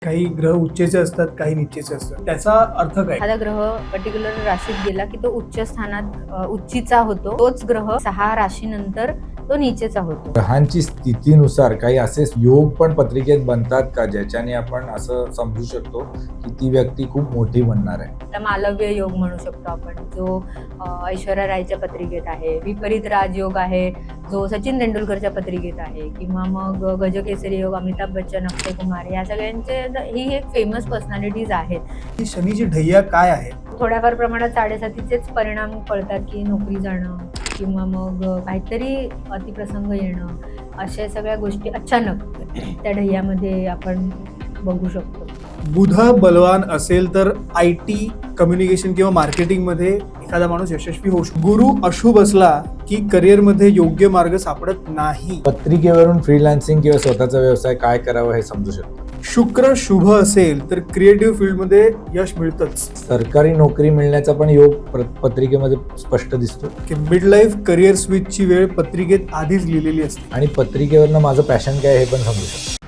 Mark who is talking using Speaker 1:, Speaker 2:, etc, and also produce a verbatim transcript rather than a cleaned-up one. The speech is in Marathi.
Speaker 1: काही ग्रह उच्चेचे असतात, काही नीचेचे असतात. त्याचा अर्थ काय?
Speaker 2: एखादा ग्रह पर्टिक्युलर राशीत गेला की तो उच्च स्थानात अ, उच्चीचा होतो. तोच ग्रह सहा राशीनंतर तो नीचेचा होतो.
Speaker 3: ग्रहांची स्थितीनुसार काही असे योग पण पत्रिकेत बनतात का, ज्याच्याने आपण असं समजू शकतो की ती व्यक्ती खूप मोठी बनणार आहे?
Speaker 2: त्याला मालव्य योग म्हणू शकतो आपण, जो अ, ऐश्वर्या रायच्या पत्रिकेत आहे. विपरीत राजयोग आहे, जो सचिन तेंडुलकरच्या पत्रिकेत आहे. किंवा मग गजकेसरी योग अमिताभ बच्चन, अक्षय कुमार या सगळ्यांचे ही एक फेमस पर्सनॅलिटीज आहेत.
Speaker 1: ही शनीची ढैया काय आहे?
Speaker 2: थोड्याफार प्रमाणात साडेसातीचेच परिणाम कळतात, की नोकरी जाणं किंवा मग काहीतरी अतिप्रसंग येणं, अशा सगळ्या गोष्टी अचानक त्या ढैयामध्ये आपण बघू शकतो.
Speaker 1: बुध बलवान असेल तर आय टी, कम्युनिकेशन किंवा मार्केटिंग मध्ये एखादा माणूस यशस्वी होऊ शकतो. गुरु अशुभ असला की करिअर मध्ये योग्य मार्ग सापडत नाही.
Speaker 3: पत्रिकेवरून फ्रीलान्सिंग किंवा स्वतःचा व्यवसाय काय करावा हे समजू शकतो.
Speaker 1: शुक्र शुभ असेल तर क्रिएटिव्ह फील्डमध्ये यश मिळतंच.
Speaker 3: सरकारी नोकरी मिळण्याचा पण योग प्र- पत्रिकेमध्ये स्पष्ट दिसतो.
Speaker 1: की मिड लाईफ करिअर स्विचची वेळ पत्रिकेत आधीच लिहिलेली असते.
Speaker 3: आणि पत्रिकेवरनं माझं पॅशन काय हे पण समजू शकतो.